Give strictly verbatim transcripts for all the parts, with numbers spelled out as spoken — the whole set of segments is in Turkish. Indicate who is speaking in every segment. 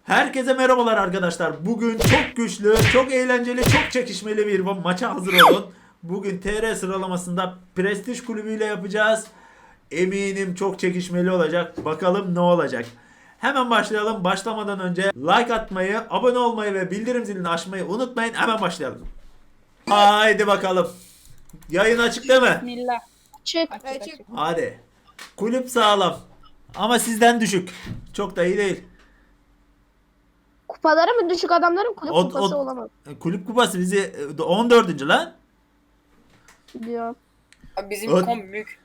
Speaker 1: Herkese merhabalar arkadaşlar. Bugün çok güçlü, çok eğlenceli, çok çekişmeli bir maça hazır olun. Bugün T R sıralamasında Prestij Kulübü ile yapacağız. Eminim çok çekişmeli olacak. Bakalım ne olacak. Hemen başlayalım. Başlamadan önce like atmayı, abone olmayı ve bildirim zilini açmayı unutmayın. Hemen başlayalım. Haydi bakalım. Yayın açık değil mi?
Speaker 2: Bismillah.
Speaker 3: Çık.
Speaker 2: Açık
Speaker 3: Evet,
Speaker 2: açık.
Speaker 1: Hadi. Kulüp sağlam. Ama sizden düşük. Çok da iyi değil.
Speaker 3: Kupaları mı düşük adamların kulüp
Speaker 1: O-
Speaker 3: kupası
Speaker 1: o-
Speaker 3: olamaz
Speaker 1: Kulüp kupası bizi on dördüncü lan.
Speaker 3: diyor.
Speaker 2: Abi bizim
Speaker 1: Ö-
Speaker 2: kom büyük.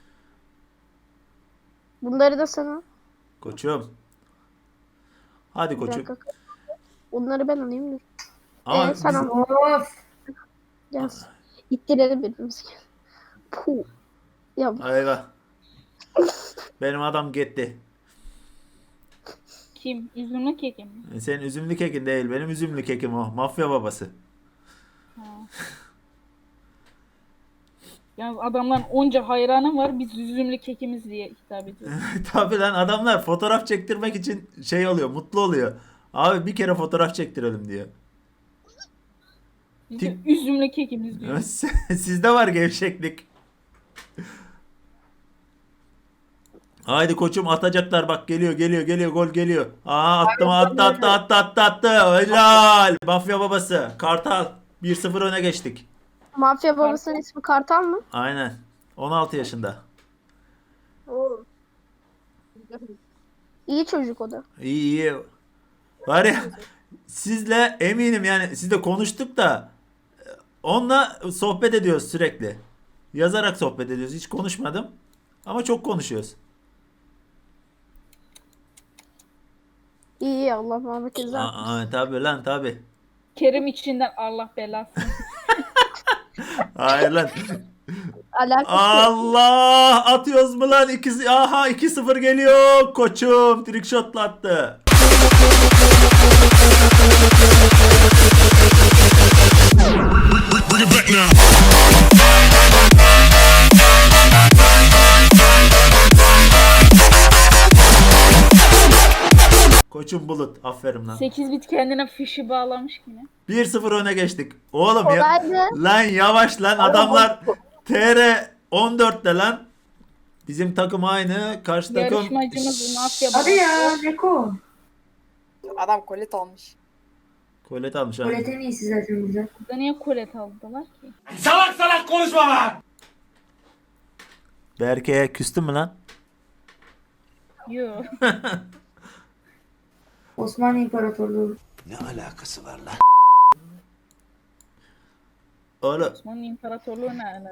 Speaker 3: Bunları da sana.
Speaker 1: Koçum. Hadi
Speaker 3: Bir
Speaker 1: koçum.
Speaker 3: dakika. Onları ben alayım dur.
Speaker 1: Ama
Speaker 3: Ee, sen
Speaker 1: biz-
Speaker 3: al. Gel. İttirelim birbirimizi. Puh. Ya
Speaker 1: Ayva. Benim adam gitti.
Speaker 2: Kim? Üzümlü kekim mi?
Speaker 1: Senin üzümlü kekin değil. Benim üzümlü kekim o. Mafya babası.
Speaker 2: Ha. Yalnız adamların onca hayranı var. Biz üzümlü kekimiz diye hitap ediyoruz.
Speaker 1: Tabii lan adamlar fotoğraf çektirmek için şey oluyor. Mutlu oluyor. Abi bir kere fotoğraf çektirelim diyor.
Speaker 2: Biz de üzümlü kekimiz diyoruz.
Speaker 1: Sizde var gevşeklik. Haydi koçum atacaklar bak geliyor geliyor geliyor gol geliyor. Aa attı mı attı attı attı attı attı. Helal. Mafya babası. Kartal. bir sıfır öne geçtik.
Speaker 3: mafya babasının ismi Kartal mı?
Speaker 1: Aynen. on altı yaşında.
Speaker 3: İyi çocuk o da.
Speaker 1: İyi iyi. Var ya sizle eminim yani sizle konuştuk da onunla sohbet ediyoruz sürekli. Yazarak sohbet ediyoruz. Hiç konuşmadım. Ama çok konuşuyoruz.
Speaker 3: İyi iyi Allah Muhammed Ezra.
Speaker 1: Aa, tabii lan tabii.
Speaker 2: Kerim içinden Allah belasını.
Speaker 1: Hayır lan.
Speaker 3: Alakası yok.
Speaker 1: Allah atıyoruz mu lan? İkisi, aha iki sıfır geliyor. Koçum trickshot'la attı.
Speaker 4: Bring it back now.
Speaker 1: Koçum bulut. Aferin lan.
Speaker 2: sekiz bit kendine fişi bağlamış yine.
Speaker 1: bir sıfır öne geçtik. Oğlum ya.
Speaker 3: Kolaydı.
Speaker 1: Lan yavaş lan adamlar T R on dörtte lan. Bizim takım aynı. Karşı takım
Speaker 2: Yarışmacımız mafya
Speaker 5: Hadi
Speaker 2: babası.
Speaker 5: ya Neko.
Speaker 6: Adam kolet almış.
Speaker 1: kolet almış ha.
Speaker 5: Kolet en iyisi zaten burada.
Speaker 2: Burada niye kolet aldılar ki?
Speaker 1: Berke'ye küstün mü lan?
Speaker 2: Yo.
Speaker 5: Osmanlı İmparatorluğu.
Speaker 1: Oğlum
Speaker 2: Osmanlı İmparatorluğu ne alaka?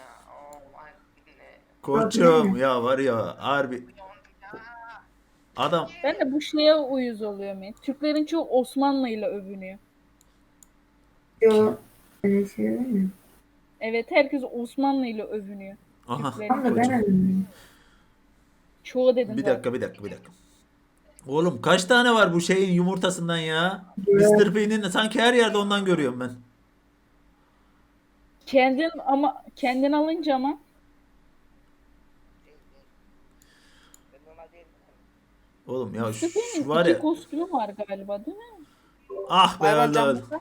Speaker 1: koçum ya var ya harbi. Adam
Speaker 2: Ben de bu şeye uyuz oluyorum ya. Türklerin çoğu Osmanlı ile övünüyor.
Speaker 5: Yo. Öyle şey değil mi?
Speaker 2: Evet, herkes Osmanlı ile övünüyor.
Speaker 1: aha.
Speaker 2: Türklerin
Speaker 5: Tam da ben öğrendim.
Speaker 2: çoğu dedim
Speaker 1: Bir
Speaker 2: zaten.
Speaker 1: dakika bir dakika bir dakika. Oğlum kaç tane var bu şeyin yumurtasından ya? mister P'nin sanki her yerde ondan görüyorum ben.
Speaker 2: Kendin ama kendin alınca ama
Speaker 1: Oğlum ya şu,
Speaker 2: Süper'in
Speaker 1: şu var
Speaker 2: iki
Speaker 1: ya.
Speaker 2: kostümü var galiba değil mi?
Speaker 1: Ah be
Speaker 6: Hayvan
Speaker 1: öldü
Speaker 6: can
Speaker 1: öldü.
Speaker 6: basa.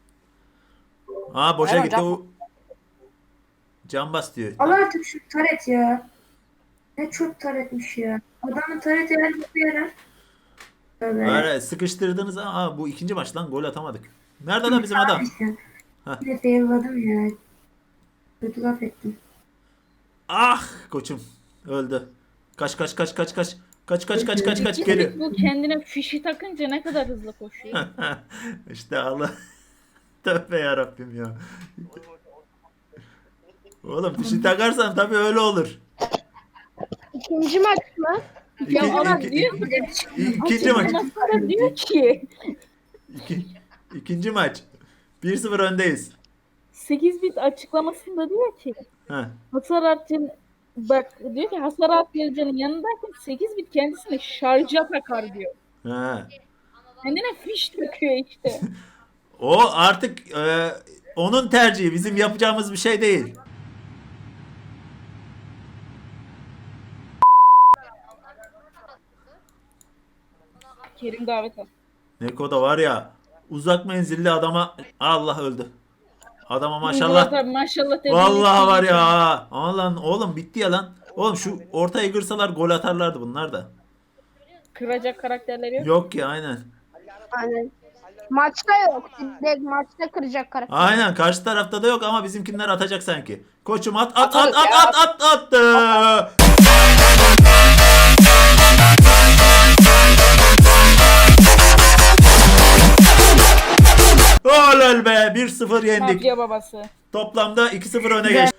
Speaker 1: Ha boşa
Speaker 6: Hayvan
Speaker 1: gitti
Speaker 6: can-
Speaker 1: o. Can bas diyor.
Speaker 5: Al artık şu taret ya. Ne çok taretmiş ya. Adamın tareti her bir yarar. Tövbe.
Speaker 1: Öyle sıkıştırdınız ama bu ikinci maç lan gol atamadık. Nerede lan bizim adam? Hah.
Speaker 5: Bir de failledim ya. Kötü laf ettim.
Speaker 1: Ah koçum öldü. Kaç kaç kaç kaç kaç. Kaç kaç kaç kaç kaç geliyor.
Speaker 2: Bu kendine fişi takınca ne kadar hızlı koşuyor.
Speaker 1: İşte Allah. Tövbe yarabbim ya. Oğlum fişi takarsan tabii öyle olur.
Speaker 3: İkinci maç mı?
Speaker 2: Ya
Speaker 1: İki-
Speaker 2: adam
Speaker 1: iki-
Speaker 2: diyor
Speaker 5: Bir de bir çıkıyor.
Speaker 1: İkinci maç.
Speaker 2: Ondan sonra diyor ki
Speaker 1: İki, ikinci maç. bir sıfır öndeyiz.
Speaker 2: sekiz bit açıklamasında diyor ki
Speaker 1: Heh.
Speaker 2: hasar artırıcı bak diyor ki hasar artırıcının yanındayken sekiz bit kendisine şarja takar diyor.
Speaker 1: Ha.
Speaker 2: Kendine fiş takıyor işte.
Speaker 1: O artık e, onun tercihi. Bizim yapacağımız bir şey değil.
Speaker 2: Kerim davet al.
Speaker 1: Neko da var ya uzak menzilli adama Allah öldü. Adama
Speaker 2: Murat
Speaker 1: maşallah.
Speaker 2: abi maşallah. tebrik
Speaker 1: Vallahi
Speaker 2: ederim.
Speaker 1: var ya. Ama lan oğlum bitti ya lan. Oğlum şu ortaya kırsalar gol atarlardı bunlar da.
Speaker 2: Kıracak karakterleri yok.
Speaker 1: Yok ki aynen.
Speaker 3: Aynen. Maçta yok. Direkt maçta kıracak karakter.
Speaker 1: Aynen karşı tarafta da yok ama bizimkinler atacak sanki. Koçum at at at
Speaker 6: Atarız
Speaker 1: at
Speaker 6: ya.
Speaker 1: at at attı. Oley be bir sıfır yendik.
Speaker 2: Mafya babası.
Speaker 1: Toplamda iki sıfır öne geç.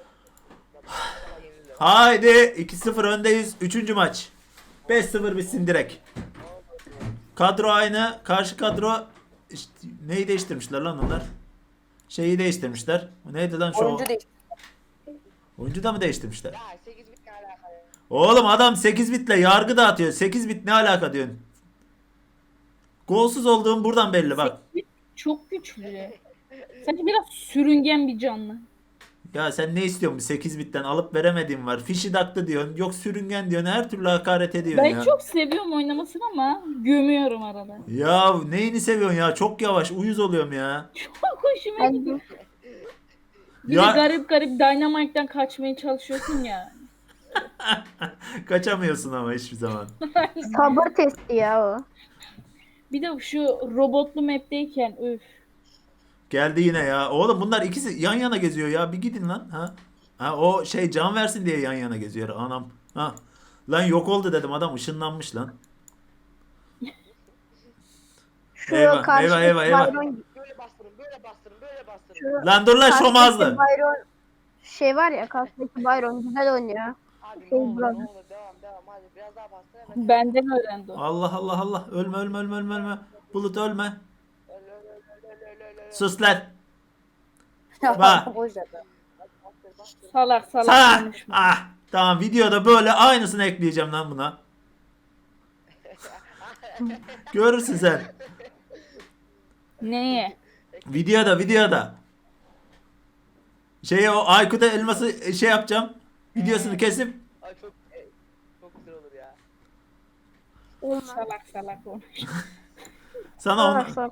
Speaker 1: Haydi iki sıfır öndeyiz. Üçüncü maç. beş sıfır bitsin direkt. Kadro aynı. Karşı kadro işte, neyi değiştirmişler lan onlar? Şeyi değiştirmişler. Neydi lan şu?
Speaker 6: Oyuncu değil.
Speaker 1: Oyuncu da mı değiştirmişler? Oğlum adam sekiz bitle yargı dağıtıyor. sekiz bit ne alaka diyorsun? Golsüz olduğum buradan belli bak.
Speaker 2: Çok güçlü. Sanki biraz sürüngen bir canlı.
Speaker 1: Ya sen ne istiyorsun? sekiz bitten alıp veremediğim var. Fişi daktı diyorsun. Yok sürüngen diyorsun. Her türlü hakaret ediyorsun
Speaker 2: Ben
Speaker 1: ya.
Speaker 2: çok seviyorum oynamasını ama gömüyorum arada.
Speaker 1: Ya neyini seviyorsun ya? Çok yavaş. Uyuz oluyorum ya.
Speaker 2: Çok hoşuma gidiyor.
Speaker 3: Ben,
Speaker 2: Bir
Speaker 1: Ya-
Speaker 2: de garip garip Dynamite'den kaçmaya çalışıyorsun ya.
Speaker 1: Kaçamıyorsun ama hiçbir zaman.
Speaker 3: sabır testi ya o.
Speaker 2: Bir de şu robotlu map'teyken üf.
Speaker 1: Geldi yine ya. Oğlum bunlar ikisi yan yana geziyor ya. Bir gidin lan. Ha? Ha o şey can versin diye yan yana geziyor. Anam. Ha. Lan yok oldu dedim. Adam ışınlanmış lan.
Speaker 3: Şu
Speaker 1: Eyvah,
Speaker 3: karşıdaki
Speaker 1: eyvah, eyvah, eyvah.
Speaker 3: Byron-
Speaker 7: Böyle bastırın, böyle bastırın, böyle bastırın.
Speaker 3: şu
Speaker 1: Lan dur lan
Speaker 3: karşıdaki
Speaker 1: şomazlı.
Speaker 3: Byron şey var ya karşıdaki Byron güzel oynuyor.
Speaker 7: Abi ne
Speaker 3: Şey
Speaker 7: olur,
Speaker 3: bırak.
Speaker 7: ne olur, devam, devam. Hadi biraz daha bastır. Hemen.
Speaker 2: Benden öğrendi o.
Speaker 1: Allah Allah Allah. Ölme ölme ölme ölme ölme. Bulut ölme.
Speaker 7: Öl, öl, öl, öl, öl, öl, öl.
Speaker 1: Sus lan. Bak.
Speaker 6: Boş ver.
Speaker 7: Bastır, bastır.
Speaker 2: Salak salak
Speaker 1: Sana.
Speaker 2: konuşma.
Speaker 1: Ah. Tamam videoda böyle aynısını ekleyeceğim lan buna. Görürsün sen.
Speaker 2: Neye?
Speaker 1: Videoda videoda. Şey o Aykut'a elması şey yapacağım. Videosunu kesip
Speaker 7: Ay çok, e, çok güzel olur ya.
Speaker 2: Salak salak konuş.
Speaker 1: sana onu...
Speaker 3: Salak salak.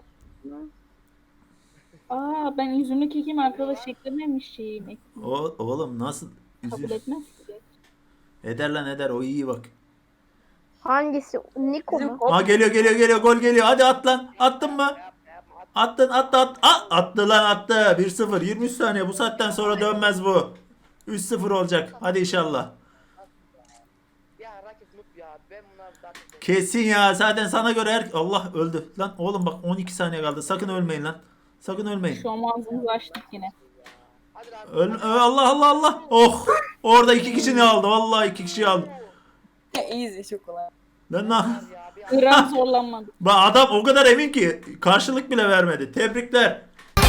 Speaker 2: Aa ben üzümlü kekim arkadaş eklememiş şeyim.
Speaker 1: O, oğlum nasıl?
Speaker 2: Kabul
Speaker 1: Üzül.
Speaker 2: etmez ki.
Speaker 1: Eder lan eder o iyi bak.
Speaker 3: Hangisi? Niko mu?
Speaker 1: Ha geliyor geliyor geliyor gol geliyor. Hadi at lan. Attın mı? Attın attı at. At, attı lan attı. bir sıfır yirmi üç saniye bu saatten sonra dönmez bu. üç sıfır olacak. Hadi inşallah.
Speaker 7: Ya rakip noob ya. Ben bunlar zaten...
Speaker 1: Kesin ya. Zaten sana göre her... Allah öldü. Lan oğlum bak on iki saniye kaldı. Sakın ölmeyin lan. Sakın ölmeyin.
Speaker 2: Şu an ağzımızı açtık yine.
Speaker 7: Hadi lan.
Speaker 1: Öl Ö, Allah Allah Allah. Oh. Orada iki kişi ne aldı? Vallahi iki kişi aldı.
Speaker 6: Easy çok kolay.
Speaker 1: Lan lan.
Speaker 7: Ya bir
Speaker 2: Gram zorlanmadı.
Speaker 1: Bak adam o kadar emin ki karşılık bile vermedi. Tebrikler.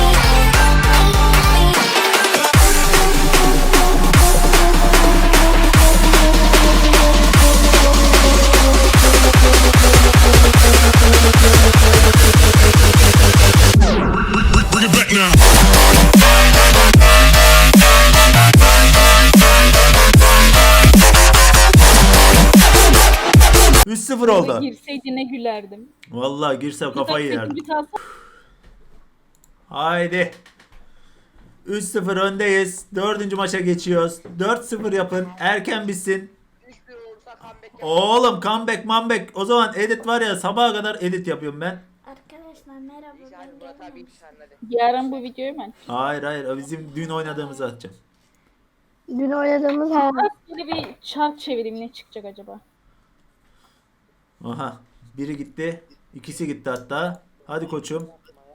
Speaker 4: Bring it back now.
Speaker 1: üç sıfır oldu.
Speaker 2: Girseydi ne gülerdim.
Speaker 1: Vallahi girsem kafayı yerdim.
Speaker 2: Bir tane
Speaker 1: Haydi. üç sıfır öndeyiz. Dördüncü maça geçiyoruz. dört sıfır yapın. Erken bitsin.
Speaker 7: üç bir olursa comeback yap.
Speaker 1: Oğlum comeback comeback. O zaman edit var ya sabaha kadar edit yapıyorum ben.
Speaker 8: Arkadaşlar merhaba
Speaker 7: Hadi
Speaker 8: ben
Speaker 7: Murat abi
Speaker 8: geldim.
Speaker 7: bir tane hadi.
Speaker 2: yarın bu videoyu ben.
Speaker 1: Hayır hayır. O bizim dün oynadığımızı atacağım.
Speaker 3: Dün oynadığımız her
Speaker 2: Böyle bir çark çevireyim ne çıkacak acaba?
Speaker 1: Aha. Biri gitti. İkisi gitti hatta. Hadi koçum.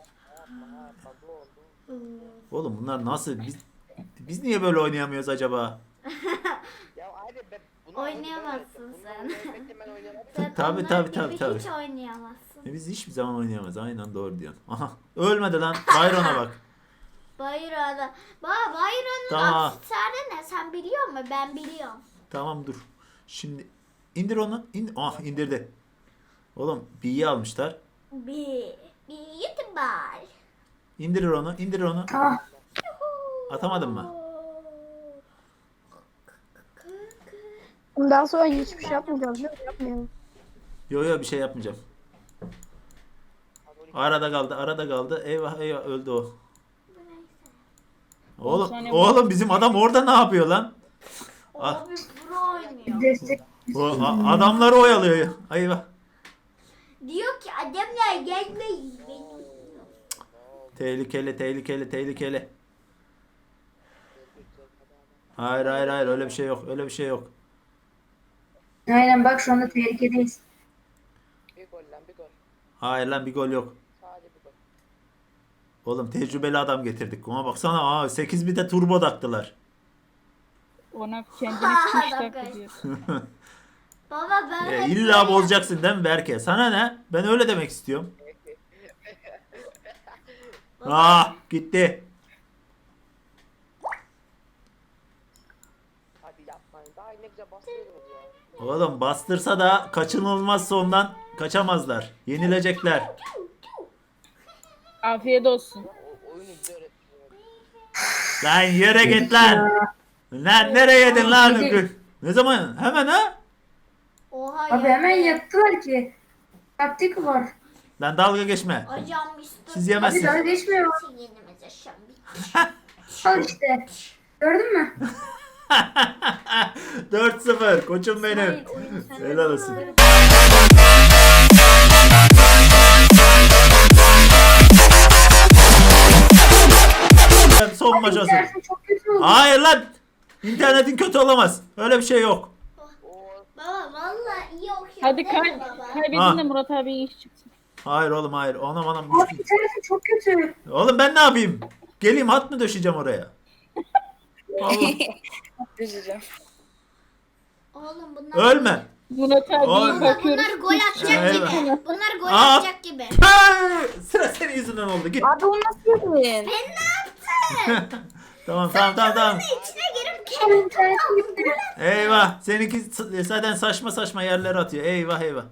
Speaker 1: Oğlum bunlar nasıl? Biz, biz niye böyle oynayamıyoruz acaba?
Speaker 7: Ya hadi ben bunu
Speaker 8: Oynayamazsın sen.
Speaker 7: Ben oynayamam.
Speaker 8: Sen
Speaker 1: Tabii,
Speaker 8: onlar
Speaker 1: tabii,
Speaker 8: gibi
Speaker 1: tabii, tabii.
Speaker 8: Hiç oynayamazsın.
Speaker 1: E biz hiçbir zaman oynayamayız. Aynen doğru diyorsun. Aha. Ölmedi lan. Byron'a bak.
Speaker 8: Bayro'da. Baba Bayro'nun
Speaker 1: Tamam.
Speaker 8: aksesuarı ne? Sen biliyor musun? Ben biliyorum.
Speaker 1: Tamam dur. Şimdi indir onu. İn ah indirdi. Oğlum B'yi almışlar.
Speaker 8: Bir, bir YouTuber.
Speaker 1: İndirir onu. İndirir onu.
Speaker 5: Ah,
Speaker 1: Atamadın mı?
Speaker 3: Bundan sonra hiçbir şey yapmayacağız değil mi? Yapmayalım.
Speaker 1: Yo yo bir şey yapmayacağım. Arada kaldı, arada kaldı. Eyvah eyvah öldü o. Oğlum,
Speaker 2: saniye
Speaker 1: oğlum bizim adam orada ne yapıyor lan? Ah.
Speaker 8: Abi pro oynuyor.
Speaker 5: Destek.
Speaker 1: O, a- adamları oyalıyor. Eyvah.
Speaker 8: Diyor ki adamlar gelmeyin. Benim.
Speaker 1: Tehlikeli, tehlikeli, tehlikeli. Hayır, hayır, hayır. Öyle bir şey yok. Öyle bir şey yok.
Speaker 5: Aynen bak şu anda tehlikedeyiz.
Speaker 7: Bir gol lan bir gol.
Speaker 1: Hayır lan bir gol yok.
Speaker 7: Sadece bir gol.
Speaker 1: Oğlum tecrübeli adam getirdik. Ona baksana. Aa, sekiz bir de turbo taktılar.
Speaker 2: Ona kendini kuş taktı diyor.
Speaker 8: Baba ben
Speaker 1: E,
Speaker 8: hep
Speaker 1: illa
Speaker 8: böyle-
Speaker 1: bozacaksın değil mi Berke? Sana ne? Ben öyle demek istiyorum. Ah gitti.
Speaker 7: Hadi yapmayın. Daha ne güzel bastırıyordunuz ya.
Speaker 1: Oğlum bastırsa da kaçınılmaz sondan kaçamazlar. Yenilecekler.
Speaker 2: Afiyet olsun.
Speaker 7: O oyunu güzel öğretmiyor.
Speaker 1: Lan yere git lan. Lan nereye yedin lan? Ne zaman? Hemen ha?
Speaker 8: Oha
Speaker 5: Abi
Speaker 8: ya.
Speaker 5: hemen yaptılar ki. Taktik var.
Speaker 1: Lan dalga geçme.
Speaker 8: Hocam üstü.
Speaker 1: Siz
Speaker 5: Abi
Speaker 1: yemezsiniz.
Speaker 5: daha geçmiyor.
Speaker 8: Için yenimiz yaşam
Speaker 5: Al işte. Gördün mü?
Speaker 1: dört sıfır koçum benim. Helal olsun. Son maç olsun.
Speaker 5: Dersin çok kötü oldu.
Speaker 1: Hayır lan. İnternetin kötü olamaz. Öyle bir şey yok.
Speaker 8: Baba vallahi iyi okuyor.
Speaker 2: Hadi
Speaker 8: değil
Speaker 2: kay
Speaker 8: mi baba?
Speaker 2: kaybedin
Speaker 1: Ha.
Speaker 2: de Murat abi iş çıksın.
Speaker 1: Hayır oğlum hayır. Anam anam.
Speaker 5: Abi internetin çok kötü.
Speaker 1: Oğlum ben ne yapayım? Geleyim hat mı döşeceğim oraya? Vallahi.
Speaker 6: Üzüleceğim.
Speaker 8: Oğlum bunlar.
Speaker 1: Ölme.
Speaker 2: Murat
Speaker 1: Oy.
Speaker 2: abiye
Speaker 8: Baba
Speaker 2: bakıyoruz.
Speaker 8: bunlar gol atacak
Speaker 1: Eyvah.
Speaker 8: gibi. Bunlar gol
Speaker 1: Aa.
Speaker 8: atacak gibi.
Speaker 1: Hey! Sıra senin yüzünden oldu. Git.
Speaker 6: Abi onu nasıl yedin?
Speaker 1: Tamam tamam tamam tamam.
Speaker 8: İçine girip
Speaker 5: Abi
Speaker 8: kendini
Speaker 5: internetin gitti.
Speaker 1: Eyvah. Seninki s- zaten saçma saçma yerlere atıyor. Eyvah eyvah.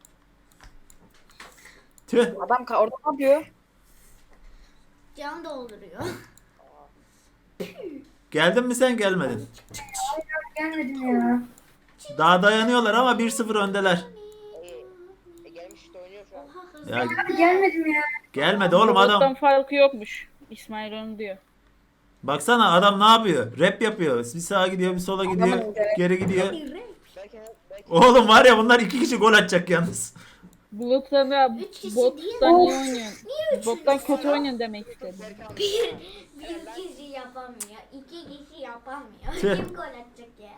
Speaker 1: Tüh.
Speaker 6: Adam ka- orada ne yapıyor?
Speaker 8: can dolduruyor.
Speaker 1: Geldin mi sen gelmedin.
Speaker 5: Gelmedim ya.
Speaker 1: Daha dayanıyorlar ama bir sıfır öndeler.
Speaker 7: E, e, gelmiş işte oynuyor şu an.
Speaker 1: Ya
Speaker 5: Abi gelmedim ya.
Speaker 1: gelmedi oğlum
Speaker 2: Murat'tan
Speaker 1: adam.
Speaker 2: farkı yokmuş. İsmail onu diyor.
Speaker 1: Baksana adam ne yapıyor? Rap yapıyor. Bir sağa gidiyor, bir sola gidiyor,
Speaker 6: Adamın görevi-
Speaker 1: geri gidiyor.
Speaker 7: Belki belki
Speaker 1: Oğlum var ya bunlar iki kişi gol atacak yalnız.
Speaker 2: Bulut'tan da
Speaker 8: Üç kişi
Speaker 2: bottan
Speaker 8: değil
Speaker 2: iyi
Speaker 8: mi?
Speaker 2: oynuyorsun.
Speaker 8: Niye üç
Speaker 2: Bottan
Speaker 8: kişi
Speaker 2: kötü
Speaker 8: ya?
Speaker 2: oynuyorsun demek istedim.
Speaker 8: Bir, bir kişi yapamıyor. İki kişi yapamıyor.
Speaker 1: Tüh.
Speaker 8: Kim gol atacak ya?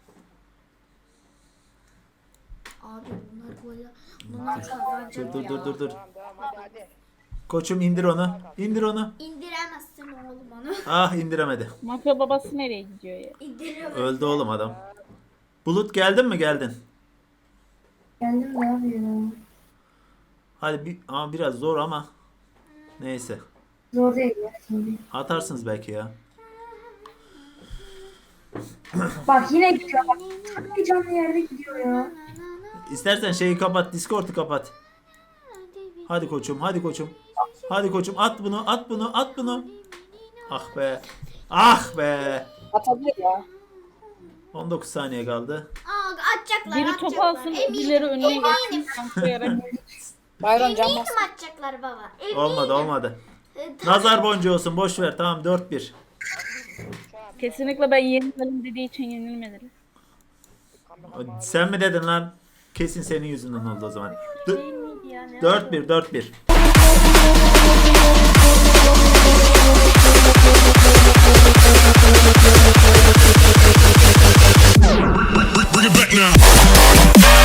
Speaker 8: Abi bunlar gol bunlar kazanacak
Speaker 1: Dur dur
Speaker 8: ya.
Speaker 1: dur dur dur.
Speaker 7: tamam devam hadi hadi.
Speaker 1: Koçum indir onu. İndir onu.
Speaker 8: İndiremezsin oğlum onu.
Speaker 1: Ah indiremedi.
Speaker 2: Mafya babası nereye gidiyor ya?
Speaker 8: İndiremezsin.
Speaker 1: Öldü oğlum adam. Bulut geldin mi geldin?
Speaker 5: Geldim de abi ya.
Speaker 1: Hadi bir, ama biraz zor ama. Neyse.
Speaker 5: Zor değil ya şimdi.
Speaker 1: Atarsınız belki ya.
Speaker 5: Bak yine gidiyor bak. Çok heyecanlı yerde gidiyor ya.
Speaker 1: İstersen şeyi kapat, Discord'u kapat. Hadi koçum, hadi koçum. Hadi koçum at bunu, at bunu, at bunu. Ah be. Ah be.
Speaker 6: Atabilir ya.
Speaker 1: on dokuz saniye kaldı.
Speaker 8: Aa, atacaklar
Speaker 2: Biri
Speaker 8: atacaklar.
Speaker 2: top alsın, öbürleri önüne
Speaker 8: eminim.
Speaker 2: geçsin. Sanklayarak.
Speaker 6: Bayron can
Speaker 8: Eminim
Speaker 6: bas.
Speaker 8: atacaklar baba. Eminim.
Speaker 1: Olmadı, olmadı.
Speaker 8: Ee,
Speaker 1: Nazar boncuğu olsun, boş ver. Tamam dört bir.
Speaker 2: Kesinlikle ben yenilmedim dediği için yenilmediler.
Speaker 1: Sen mi dedin lan? Kesin senin yüzünden oldu o zaman. dört bir, dört bir.
Speaker 4: Bring it back now.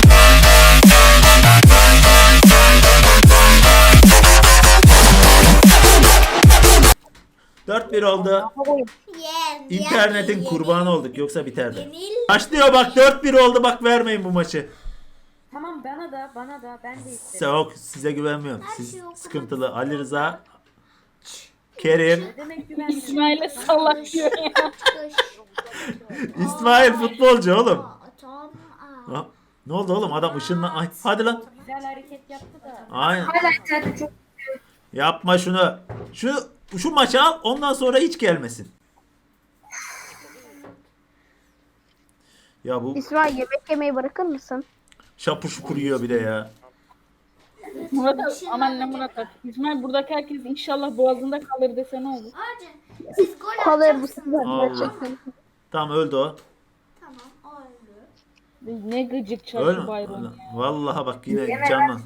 Speaker 1: dört bir oldu.
Speaker 8: Yen,
Speaker 1: İnternetin
Speaker 8: yen,
Speaker 1: kurbanı
Speaker 8: yen.
Speaker 1: olduk yoksa biterdi.
Speaker 8: Yenil.
Speaker 1: Başlıyor bak dört bir oldu bak vermeyin bu maçı.
Speaker 9: Tamam bana da bana da ben de istedim.
Speaker 1: Yok size güvenmiyorum. Siz
Speaker 8: şey okumak
Speaker 1: sıkıntılı. Ali Rıza, Kerim,
Speaker 9: Demek güvenmiyorum.
Speaker 2: İsmail'e salak diyor ya.
Speaker 8: Kış.
Speaker 1: İsmail futbolcu oğlum.
Speaker 8: Aa, tamam. Aa.
Speaker 1: Ha, ne oldu oğlum adam ışınla... Ay, hadi lan.
Speaker 9: Güzel hareket yaptı da.
Speaker 1: Aynen.
Speaker 5: Hala internetin çok
Speaker 1: Yapma şunu. Şu şu maçı al ondan sonra hiç gelmesin. Ya bu
Speaker 3: İsmail yemek yemeyi bırakır mısın?
Speaker 1: şapur şupur yiyor bir de ya.
Speaker 2: Murat abi, aman ne Murat abi. İsmail buradaki herkes inşallah boğazında kalır dese ne olur?
Speaker 8: Hacı siz gol
Speaker 3: Kalır bu
Speaker 8: atacaksınız.
Speaker 3: sefer
Speaker 1: Allah.
Speaker 3: gerçekten.
Speaker 1: Tamam öldü o.
Speaker 8: Tamam o öldü.
Speaker 2: Ne gıcık
Speaker 1: Öyle
Speaker 2: çarşı
Speaker 1: mi?
Speaker 2: bayram.
Speaker 1: Öyle. Vallahi bak yine canlan.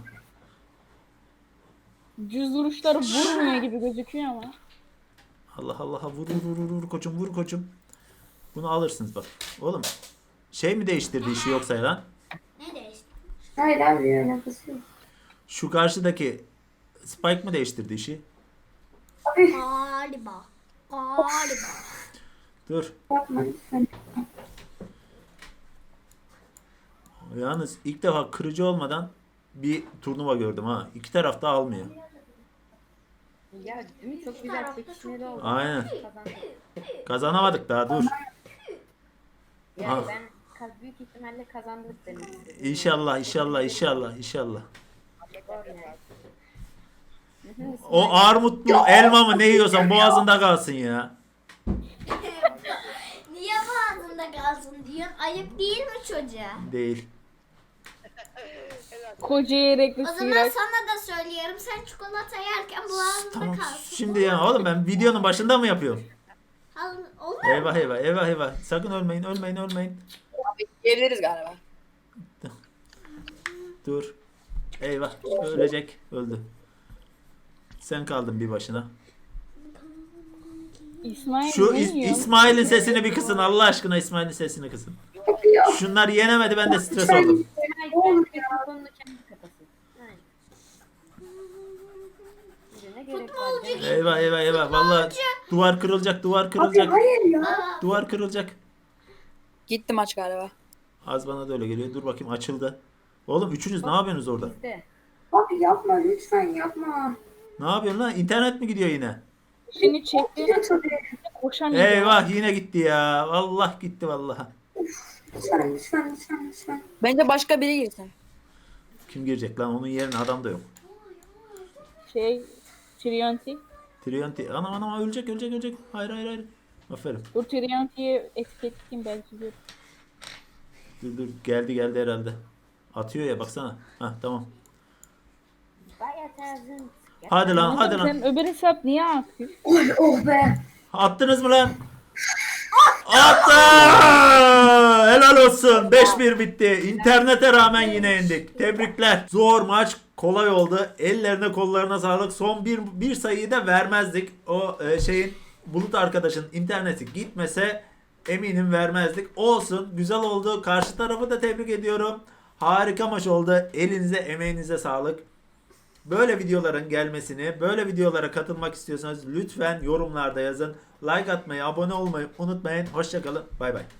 Speaker 2: Düz vuruşları vurmuyor gibi gözüküyor ama.
Speaker 1: Allah Allah vur vur vur vur koçum vur koçum. Bunu alırsınız bak. Oğlum şey mi değiştirdi işi yoksa lan?
Speaker 8: Ne değişti?
Speaker 5: Hayır abi alakası yok.
Speaker 1: Şu karşıdaki Spike mı değiştirdi işi?
Speaker 5: Abi
Speaker 8: Galiba. Galiba.
Speaker 1: Dur.
Speaker 5: yapma lütfen.
Speaker 1: Yalnız ilk defa kırıcı olmadan bir turnuva gördüm ha. İki taraf da almıyor.
Speaker 9: Ya değil mi? Çok güzel çekişmeli oldu.
Speaker 1: Aynen.
Speaker 9: Kazandık.
Speaker 1: Kazanamadık daha dur.
Speaker 9: Yani
Speaker 1: Ah.
Speaker 9: ben kaz- büyük ihtimalle kazandık demek istedim.
Speaker 1: İnşallah inşallah inşallah inşallah.
Speaker 9: Doğru yani. Hı hı,
Speaker 1: O armut mu elma mı ne yiyorsan boğazında kalsın ya.
Speaker 8: Niye boğazında kalsın diyorsun? Ayıp değil mi çocuğa?
Speaker 1: Değil.
Speaker 2: Koca yerekli
Speaker 8: O zaman
Speaker 2: sıyrak.
Speaker 8: sana da söylüyorum. Sen çikolata yerken boğazında
Speaker 1: Tamam
Speaker 8: kalsın.
Speaker 1: şimdi ya oğlum ben videonun başında mı yapıyorum?
Speaker 8: Al- Olur mu?
Speaker 1: Eyvah eyvah eyvah eyvah. Sakın ölmeyin ölmeyin ölmeyin.
Speaker 6: Geliriz galiba.
Speaker 1: Dur. Eyvah ölecek öldü. Sen kaldın bir başına.
Speaker 2: İsmail
Speaker 1: Şu
Speaker 2: ne
Speaker 1: İs-
Speaker 2: yiyor?
Speaker 1: İsmail'in sesini bir kısın Allah aşkına İsmail'in sesini kısın.
Speaker 5: Abi ya.
Speaker 1: Şunlar yenemedi ben de stres
Speaker 5: Lütfen.
Speaker 1: oldum.
Speaker 9: Kendi mikrofonunu kendi kapasın. Aynen. Bir de ne gerek var? canım?
Speaker 1: Eyvah eyvah eyvah vallahi duvar kırılacak duvar
Speaker 5: Abi
Speaker 1: kırılacak.
Speaker 5: hayır ya.
Speaker 1: Duvar kırılacak.
Speaker 6: Gitti maç galiba.
Speaker 1: Az bana da öyle geliyor. Dur bakayım açıldı. Oğlum üçünüz ne yapıyorsunuz orada?
Speaker 9: Bizde.
Speaker 5: Abi yapma lütfen yapma.
Speaker 1: Ne yapıyorsun lan? İnternet mi gidiyor yine?
Speaker 2: Seni çekti
Speaker 5: Ya tabii.
Speaker 2: koşamıyor.
Speaker 1: Eyvah yine gitti ya. Allah gitti vallahi.
Speaker 5: Lütfen lütfen lütfen lütfen.
Speaker 6: Bence başka biri girsin.
Speaker 1: Kim girecek lan? Onun yerine adam da yok.
Speaker 2: Şey Trionti.
Speaker 1: Trianti. Anam anam ölecek ölecek ölecek. Hayır hayır hayır. Aferin.
Speaker 2: Dur Trionti'yi etiketleyeyim belki gör.
Speaker 1: Dur dur geldi geldi herhalde. Atıyor ya baksana. Hah tamam.
Speaker 9: Bayağı tarzın.
Speaker 1: Hadi lan hadi lan.
Speaker 2: Sen öbür hesap niye aktif?
Speaker 5: Oy oh be.
Speaker 1: Attınız mı lan? Attı! Helal olsun. beş bir bitti. İnternete rağmen yine yendik. Tebrikler. Zor maç. Kolay oldu. Ellerine kollarına sağlık. Son bir, bir sayıyı da vermezdik. O e, şeyin Bulut arkadaşın interneti gitmese eminim vermezdik. Olsun. Güzel oldu. Karşı tarafı da tebrik ediyorum. Harika maç oldu. Elinize emeğinize sağlık. Böyle videoların gelmesini, böyle videolara katılmak istiyorsanız lütfen yorumlarda yazın. Like atmayı, abone olmayı unutmayın. Hoşçakalın. Bay bay.